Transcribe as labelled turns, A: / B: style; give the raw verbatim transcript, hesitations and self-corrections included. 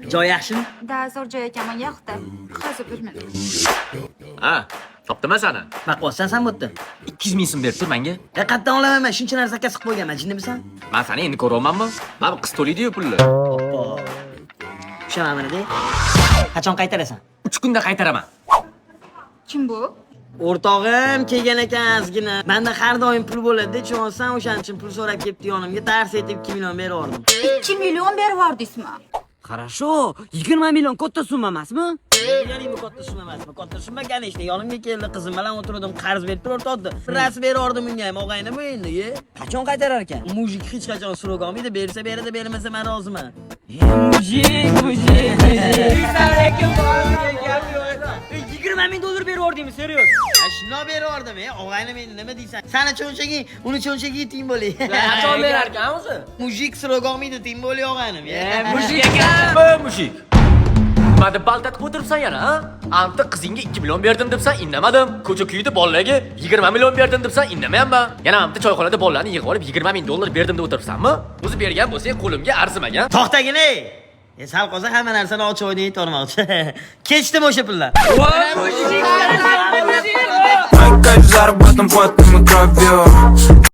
A: Joy yaxshimi?
B: Da zo'r joy ekan, menga yoqdi. Hozir bir minut.
C: Ha, topdiman seni.
A: Baqvotsan sen bu yerda.
C: ikki yuz ming so'm berib tur menga.
A: E qatdan olaman men, shuncha narsa zakaz qilib qo'yganman, jinnimisan?
C: Men seni endi ko'ryapmanmi? Mana bu qiz to'laydi-yu pulni.
A: Oppo. Tushunaman-da. Qachon qaytarasan?
C: uch kunda qaytaraman.
B: Kim bu?
A: O'rtog'im kelgan ekan ozgina. Menda har doim pul bo'ladi-da, tushunsan, o'shaning uchun pul so'rab kelibdi yonimga, dars etib ikki million berib yubordim.
B: ikki million berib yubordingizmi?
D: Хорошо, yigirma million katta summa emasmi?
A: Ya'ni bu katta summa emasmi? Katta summa ganishda yonimga keldi, qizim bilan o'tirdim, qarz berib turib o'rtoqdi. Ras berib yubordim unga ham, og'ayni bu endi, ye.
D: Qachon qaytarar ekan?
A: Mujik hech qachon so'rab olmaydi, bersa beradi, bermasa men roziman.
D: Mujik, mujik, mujik. yigirma ming dollar berib yubordingmi, serios?
A: Ha, shunday berib yubordim, e, og'ayni meni nima deysan? Sani cho'nchaging, uni cho'nchagi teng bo'li.
D: Qachon berar ekan o'zi?
A: Mujik so'rab olmaydi, teng bo'li og'aynim, ye.
C: Mushik ekan bu mushik. Nima deb baltatib o'tiribsan yana, ha? Anta qizingga ikki million berdim debsan, indamadim. Ko'cha kuyida bolalarga yigirma million berdim debsan, indamayapman. Yana anta choyxonada bolalarni yig'ib olib yigirma ming dollar berdim deb o'tiribsanmi? O'zi bergan bo'lsang, qo'limga arzimagan.
A: To'xtagin, ey. E, sal qolsa hamma narsani och oyda yetib olmoqchi. Kechdim o'sha pullar.
E: Мои кайф заработан потом и кровью.